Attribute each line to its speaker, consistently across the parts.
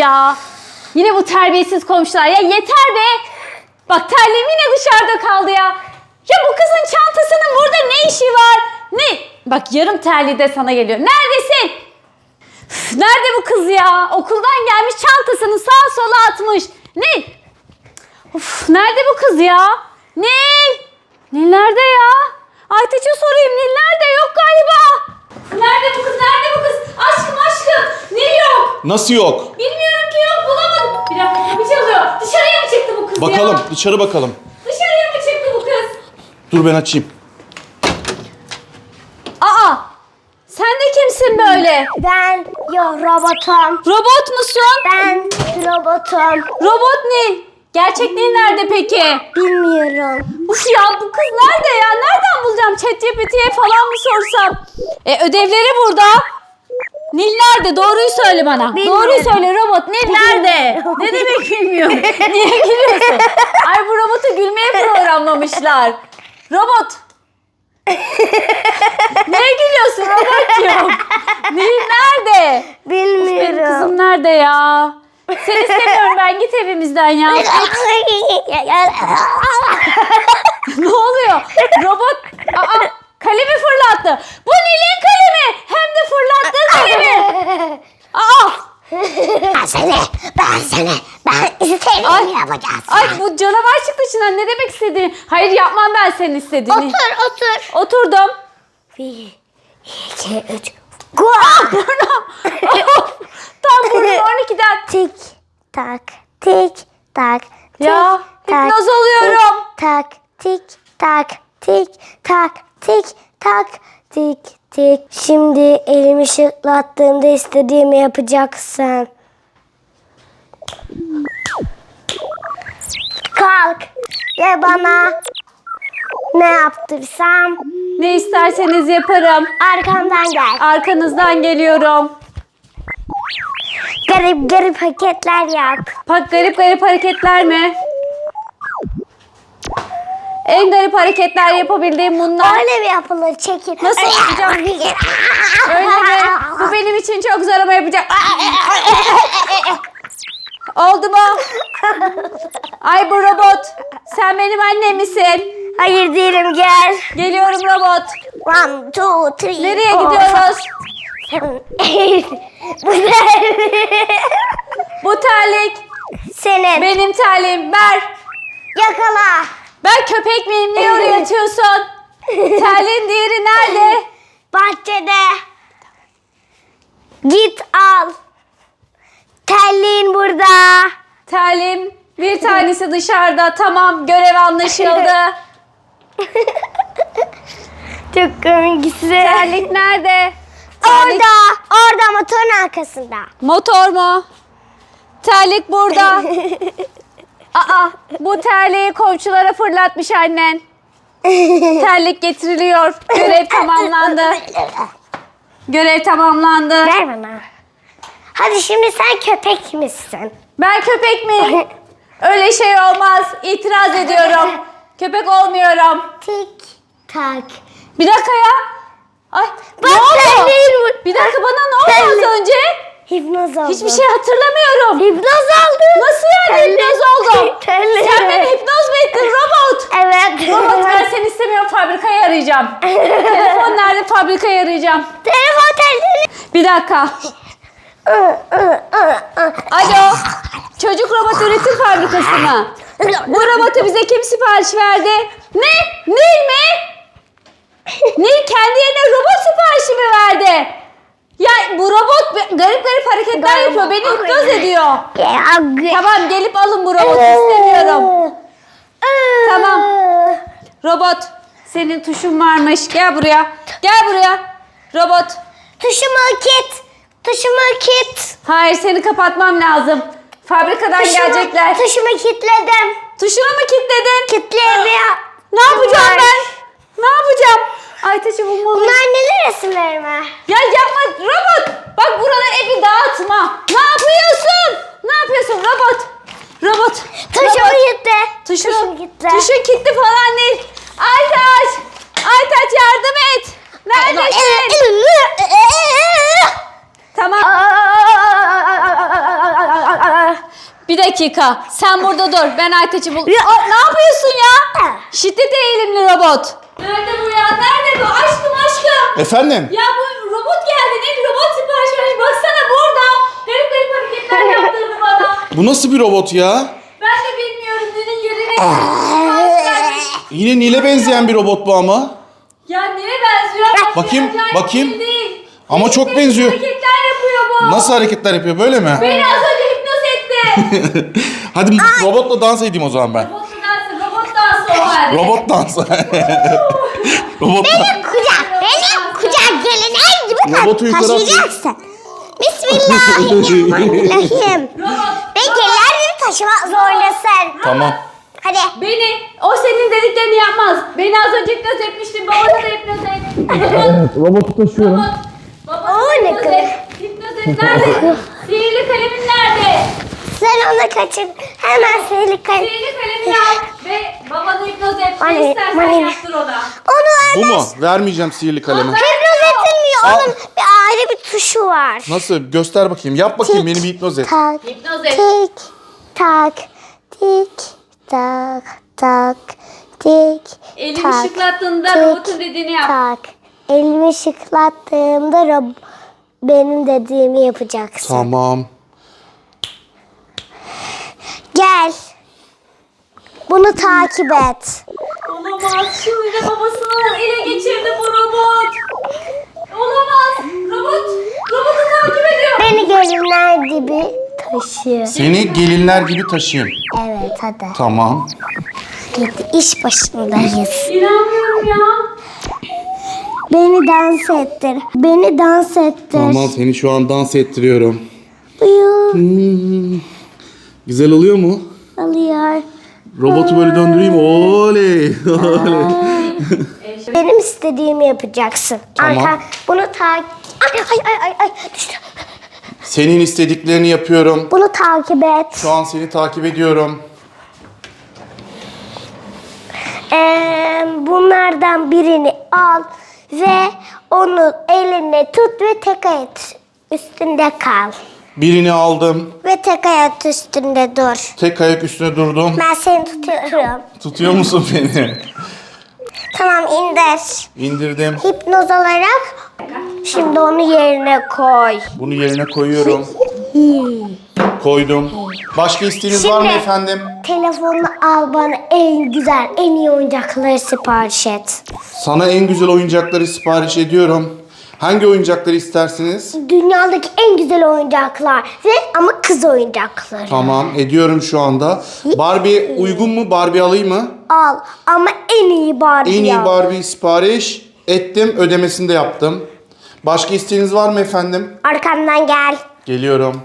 Speaker 1: ya. Yine bu terbiyesiz komşular. Ya yeter be. Bak terliğim yine dışarıda kaldı ya. Ya bu kızın çantasının burada ne işi var? Ne? Bak yarım terliği de sana geliyor. Neredesin? Üf, nerede bu kız ya? Okuldan gelmiş çantasını sağa sola atmış. Ne? Of, nerede bu kız ya? Nil! Nil nerede ya? Aytaç'a sorayım. Nil nerede? Yok galiba. Nerede bu kız? Nerede bu kız? Aşkım. Nil yok.
Speaker 2: Nasıl yok?
Speaker 1: Bilmiyorum ki yok. Bulamadım. Bir dakika kapı çalıyor. Dışarıya mı çıktı bu kız ya?
Speaker 2: Bakalım, dışarı bakalım.
Speaker 1: Dışarıya mı çıktı bu kız?
Speaker 2: Dur ben açayım.
Speaker 1: Aa! Sen de kimsin böyle?
Speaker 3: Ben robotum.
Speaker 1: Robot musun?
Speaker 3: Ben robotum.
Speaker 1: Robot Nil. Gerçek Nil nerede peki?
Speaker 3: Bilmiyorum.
Speaker 1: Uf ya bu kız nerede ya? Nereden bulacağım? ChatGPT'ye falan mı sorsam? Ödevleri burada. Nil nerede? Doğruyu söyle bana.
Speaker 3: Bilmiyorum.
Speaker 1: Doğruyu söyle robot. Nil nerede? Ne demek bilmiyorum. Niye gülüyorsun? Ay bu robotu gülmeye programlamışlar. Robot. Niye gülüyorsun robotcuğum? Nil nerede? Benim
Speaker 3: Bilmiyorum.
Speaker 1: kızım nerede ya? Seni istemiyorum ben, git evimizden ya. Ne oluyor? Robot kalemi fırlattı. Bu Nil'in kalemi. Hem de fırlattığı kalemi.
Speaker 3: Ben istediğimi yapacağız.
Speaker 1: Ay bu canavar çıktı içinden. Ne demek istediğini? Hayır yapmam ben senin istediğini.
Speaker 3: Otur.
Speaker 1: Oturdum.
Speaker 3: 1, 2, 3. Go!
Speaker 1: Burnum. Tam burnum 12'den.
Speaker 3: Tik tak, tik tak.
Speaker 1: Ya hipnoz oluyorum.
Speaker 3: Tak, tik tak, tik tak, tik tak, tik tik. Şimdi elimi şıklattığımda istediğimi yapacaksın. Kalk ve bana ne yaptırsam
Speaker 1: Ne isterseniz yaparım.
Speaker 3: arkamdan gel.
Speaker 1: Arkanızdan geliyorum.
Speaker 3: Garip garip hareketler yap.
Speaker 1: Bak garip garip hareketler mi? En garip hareketler yapabildiğim bunlar.
Speaker 3: Öyle mi yapılır? Çekil.
Speaker 1: Nasıl yapacağım? Öyle mi? Bu benim için çok zor ama yapacağım. Oldu mu? Ay bu robot. Sen benim annem misin?
Speaker 3: Hayır değilim, gel.
Speaker 1: Geliyorum robot.
Speaker 3: 1, 2, 3.
Speaker 1: Nereye gidiyoruz? Bu terlik.
Speaker 3: Senin.
Speaker 1: Benim terliğim. Ver.
Speaker 3: Yakala.
Speaker 1: Ben köpek miyim? Niye oraya atıyorsun? Terliğin diğeri nerede?
Speaker 3: Bahçede. Git al. Terliğin burada.
Speaker 1: Terliğim bir tanesi dışarıda. Tamam, görev anlaşıldı.
Speaker 3: Çok komiksin.
Speaker 1: Terlik nerede? Terlik-
Speaker 3: Orada motorun arkasında.
Speaker 1: Motor mu? Terlik burada. Bu terliği komşulara fırlatmış annen. Terlik getiriliyor. Görev tamamlandı. Görev tamamlandı.
Speaker 3: Ver bana. Hadi şimdi sen köpek misin?
Speaker 1: Ben köpek miyim? Öyle şey olmaz. İtiraz ediyorum. Köpek olmuyorum.
Speaker 3: Tik tak.
Speaker 1: Bir dakika ya. Ay,
Speaker 3: Bak
Speaker 1: ne oldu?
Speaker 3: terliğin bu.
Speaker 1: Bir dakika, bana ne oldu
Speaker 3: Terlik.
Speaker 1: az önce?
Speaker 3: Hipnoz oldu.
Speaker 1: Hiçbir şey hatırlamıyorum.
Speaker 3: Hipnoz oldu.
Speaker 1: Nasıl yani hipnoz oldum?
Speaker 3: Terlik.
Speaker 1: Sen beni hipnoz mu ettin robot?
Speaker 3: Evet.
Speaker 1: Robot, ben seni istemiyorum, fabrikayı arayacağım. Telefon nerede, fabrikayı arayacağım.
Speaker 3: Telefon terliği.
Speaker 1: Bir dakika. Alo. Çocuk robot üretim fabrikası mı? Bu robotu bize kim sipariş verdi? Ne? Nil mi? Nil kendi yerine robot siparişi mi verdi? Ya bu robot garip garip hareketler yapıyor. Beni hipnoz ediyor. Tamam, gelip alın bu robotu, istemiyorum. Tamam. Robot, senin tuşun varmış. Gel buraya. Gel buraya. Robot.
Speaker 3: Tuşumu kit. Tuşumu kit.
Speaker 1: Hayır, seni kapatmam lazım. Fabrikadan gelecekler.
Speaker 3: Tuşumu kilitledim.
Speaker 1: Tuşunu mu kilitledin?
Speaker 3: Kilitledim ya.
Speaker 1: Ne yapacağım ben? Ne yapacağım? Aytaç'ı bulmalıyım.
Speaker 3: Bunlar neler resimlerime?
Speaker 1: Ya yapma robot. Bak buraları evi dağıtma. Ne yapıyorsun? Ne yapıyorsun robot? Robot.
Speaker 3: Tuşumu kilitle.
Speaker 1: Tuşu
Speaker 3: kilitle.
Speaker 1: Tuşu kilitli falan değil. Aytaç. Aytaç yardım et. Neredesin? Tamam. dakika. Sen burada dur. Ben Aytaç'ı bul... Aa, ne yapıyorsun ya? Şiddet eğilimli robot. Nerede bu ya? Nerede bu? Aşkım.
Speaker 2: Efendim?
Speaker 1: Ya bu robot geldi. Ne robot sipariş vermiş. Baksana burada. Garip garip hareketler yaptırdı bana.
Speaker 2: Bu nasıl bir robot ya?
Speaker 1: Ben de bilmiyorum. Nil'in yerine sipariş vermiş.
Speaker 2: Yine Nil'e benzeyen bir robot bu ama.
Speaker 1: Ya neye benziyor?
Speaker 2: Bakayım,
Speaker 1: Acayip
Speaker 2: bakayım.
Speaker 1: Nil değil.
Speaker 2: Ama çok
Speaker 1: Değişik
Speaker 2: benziyor.
Speaker 1: hareketler yapıyor bu.
Speaker 2: Nasıl hareketler yapıyor, böyle mi?
Speaker 1: Beni az önce hipnoz etti.
Speaker 2: Hadi robotla dans edeyim o zaman ben.
Speaker 1: Robot dansı o halde.
Speaker 2: Robot dansı. Robot dans.
Speaker 3: Benim kucak gelen gibi
Speaker 2: Robotu yukarı atayım.
Speaker 3: taşıyacaksın. Bismillahirrahmanirrahim.
Speaker 1: Robot.
Speaker 3: Ve gelen taşıma zorlasın.
Speaker 2: Tamam.
Speaker 3: Hadi.
Speaker 1: O senin dediklerini yapmaz. Beni az önce hipnoz etmiştin. Babanı da hipnoz et.
Speaker 2: Robotu taşıyorum.
Speaker 1: Babanı
Speaker 3: Oo,
Speaker 1: da
Speaker 3: ne
Speaker 1: hipnoz
Speaker 3: kadar.
Speaker 1: et. Hipnoz et. Nerede? Sihirli kalemin nerede?
Speaker 3: Sen onu kaçır. Hemen sihirli kalem.
Speaker 1: Sihirli kalemini al ve babanı hipnoz et.
Speaker 3: Mani,
Speaker 1: Ne istersen
Speaker 3: mani.
Speaker 1: yaptır ona.
Speaker 3: Onu
Speaker 2: Bu
Speaker 3: öyle.
Speaker 2: mu? Vermeyeceğim sihirli kalemi.
Speaker 3: Hipnoz edilmiyor.
Speaker 2: Al.
Speaker 3: Onun bir ayrı bir tuşu var.
Speaker 2: Nasıl? Göster bakayım. Yap bakayım, beni bir hipnoz et.
Speaker 3: Tak.
Speaker 1: Hipnoz et.
Speaker 3: Tik tak. Tik tak tak. Tik
Speaker 1: Elimi
Speaker 3: tak.
Speaker 1: şıklattığında
Speaker 3: tik,
Speaker 1: robotun dediğini yap.
Speaker 3: Tak. Elimi şıklattığımda benim dediğimi yapacaksın.
Speaker 2: Tamam.
Speaker 3: Gel. Bunu takip et.
Speaker 1: Olamaz. Şimdi babasını ele geçirdi bu robot. Olamaz. Robotu takip ediyor.
Speaker 3: Beni gelinler gibi taşı.
Speaker 2: Seni gelinler gibi taşıyayım.
Speaker 3: Evet hadi.
Speaker 2: Tamam.
Speaker 3: Hadi iş başındayız.
Speaker 1: İnanmıyorum ya.
Speaker 3: Beni dans ettir. Beni dans ettir.
Speaker 2: Tamam, seni şu an dans ettiriyorum.
Speaker 3: Uyu.
Speaker 2: Güzel oluyor mu?
Speaker 3: Alıyor.
Speaker 2: Robotu böyle döndüreyim. Oley. Oley.
Speaker 3: Benim istediğimi yapacaksın.
Speaker 2: Tamam.
Speaker 3: Bunu takip... Ay düştü.
Speaker 2: Senin istediklerini yapıyorum.
Speaker 3: Bunu takip et.
Speaker 2: Şu an seni takip ediyorum.
Speaker 3: Bunlardan birini al ve onu eline tut ve tek et. Üstünde kal.
Speaker 2: Birini aldım.
Speaker 3: Ve tek ayak üstünde dur.
Speaker 2: Tek ayak üstüne durdum.
Speaker 3: Ben seni tutuyorum.
Speaker 2: Tutuyor musun beni?
Speaker 3: Tamam indir.
Speaker 2: İndirdim.
Speaker 3: Hipnoz olarak şimdi onu yerine koy.
Speaker 2: Bunu yerine koyuyorum. Koydum. Başka isteğiniz var mı
Speaker 3: Şimdi-
Speaker 2: efendim?
Speaker 3: Telefonunu al bana en güzel, en iyi oyuncakları sipariş et.
Speaker 2: Sana en güzel oyuncakları sipariş ediyorum. Hangi oyuncakları istersiniz?
Speaker 3: Dünyadaki en güzel oyuncaklar ve ama kız oyuncakları.
Speaker 2: Tamam, ediyorum şu anda. Barbie uygun mu? Barbie alayım mı?
Speaker 3: Al ama en iyi Barbie
Speaker 2: En iyi
Speaker 3: al.
Speaker 2: Barbie sipariş ettim. Ödemesini de yaptım. Başka isteğiniz var mı efendim?
Speaker 3: Arkamdan gel.
Speaker 2: Geliyorum.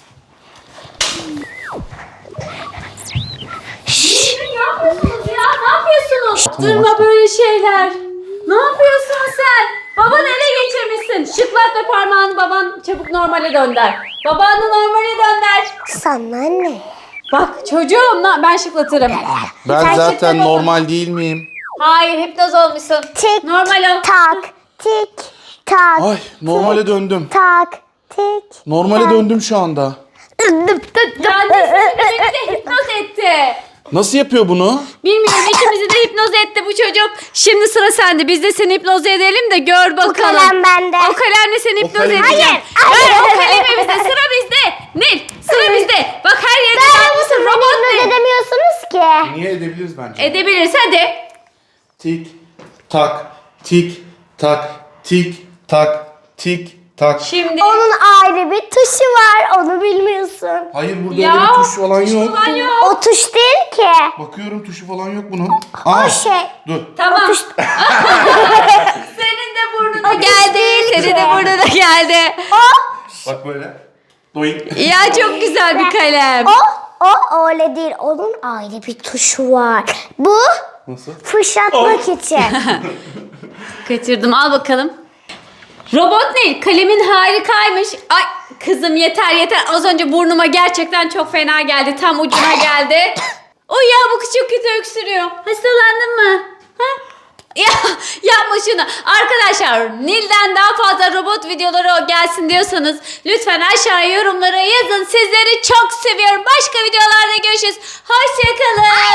Speaker 1: Ne yapıyorsunuz ya? Ne yapıyorsunuz? Durma böyle şeyler. Ne yapıyorsun sen? Babanı ele geçirmişsin. Şıklat ve parmağını baban çabuk normale dönder. Babanı normale dönder.
Speaker 3: Sana ne?
Speaker 1: Bak çocuğum ben şıklatırım.
Speaker 2: Ben
Speaker 1: Sen
Speaker 2: zaten
Speaker 1: şıklat oğlum.
Speaker 2: normal değil miyim?
Speaker 1: Hayır hipnoz olmuşsun.
Speaker 3: Tik
Speaker 1: Normal ol.
Speaker 3: tak, tik tak,
Speaker 2: Ay, normale döndüm.
Speaker 3: tak, tik.
Speaker 2: Normale döndüm şu anda.
Speaker 1: Yani beni de hipnoz etti.
Speaker 2: Nasıl yapıyor bunu?
Speaker 1: Bilmiyorum ikimizi de hipnoz etti bu çocuk. Şimdi sıra sende. Biz de seni hipnoz edelim de gör bakalım.
Speaker 3: kalem bende.
Speaker 1: O kalemle seni hipnoz
Speaker 2: kalem-
Speaker 1: edeceğim.
Speaker 3: Hayır,
Speaker 1: Ver
Speaker 3: hayır.
Speaker 1: o kalemi bize. Sıra bizde. Nil sıra bizde. Bak her yerde yapmışsın. Robot
Speaker 3: Ne
Speaker 1: Nil.
Speaker 3: edemiyorsunuz ki?
Speaker 2: Niye edebiliriz bence?
Speaker 1: Edebiliriz hadi.
Speaker 2: Tik tak tik tak tik tak tik tak.
Speaker 1: Şimdi.
Speaker 3: Onun ayrı bir tuşu var, onu bilmiyorsun.
Speaker 2: Hayır, burada öyle bir tuş falan yok.
Speaker 1: Falan yok.
Speaker 3: O tuş değil ki.
Speaker 2: Bakıyorum, tuşu falan yok bunun. Aa,
Speaker 3: O şey.
Speaker 2: dur.
Speaker 1: Tamam. Senin de burnuna geldi. Senin de burnuna geldi.
Speaker 2: Bak böyle. Doink.
Speaker 1: Ya çok güzel bir kalem.
Speaker 3: O öyle değil. Onun ayrı bir tuşu var. Bu
Speaker 2: Nasıl?
Speaker 3: fırçatmak için.
Speaker 1: Kaçırdım. Al bakalım. Robot Nil kalemin harikaymış. Ay kızım yeter. Az önce burnuma gerçekten çok fena geldi. Tam ucuna geldi. Oy ya bu kız çok kötü öksürüyor. Hastalandın mı? Ha? Ya yapma şunu. Arkadaşlar Nil'den daha fazla robot videoları gelsin diyorsanız lütfen aşağıya yorumlara yazın. Sizleri çok seviyorum. Başka videolarda görüşürüz. Hoşçakalın.